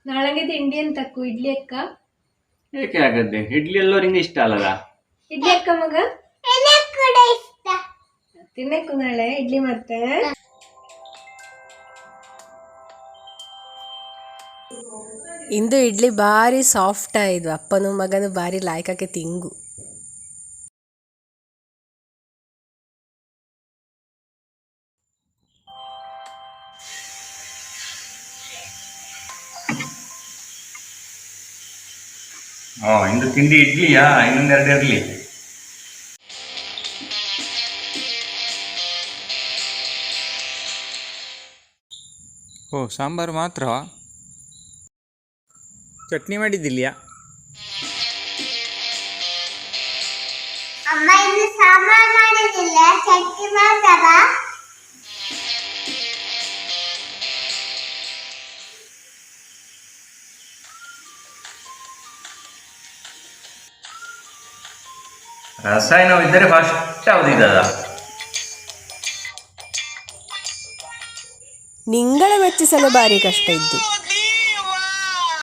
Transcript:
ನಾಳೆಗೆ ತಿಂಡಿ ಅಂತಕ್ಕು ಇಡ್ಲಿ ಅಕ್ಕ. ಏಕೆ ಆಗತ್ತೆ? ಇಡ್ಲಿ ಎಲ್ಲರಿಗೆ ಇಷ್ಟ ಅಲ್ಲದ? ಇಡ್ಲಿ ಅಕ್ಕ ಮಗ ತಿನ್ನಕ್ಕು ನಾಳೆ ಇಡ್ಲಿ ಮಾಡ್ತೆ. ಇಂದು ಇಡ್ಲಿ ಭಾರಿ ಸಾಫ್ಟ್ ಆಯಿತು. ಅಪ್ಪನು ಮಗನು ಭಾರಿ ಲಾಯ್ಕಕ್ಕೆ ತಿಂಗು. ಇಂದು ತಿಂಡಿ ಇಡ್ಲಿಯಾ? ಇನ್ನೊಂದೆರಡು ಇರಲಿ. ಸಾಂಬಾರು ಮಾತ್ರ? ಚಟ್ನಿ ಮಾಡಿದ್ದಿಲ್ಯಾ? ಅಮ್ಮ ಇನ್ನು ಸಾಂಬಾರ್ ಮಾಡಿದಿಲ್ಲ, ಚಟ್ನಿ ಮಾಡ್ತಾರ. ರಸಾಯನವಿದ್ದರೆ ಫಸ್ಟ್ ಯಾವ್ದಿದ್ದದ? ನಿಂಗಳ ಮೆಚ್ಚಿಸಲು ಭಾರಿ ಕಷ್ಟ ಇದ್ದು.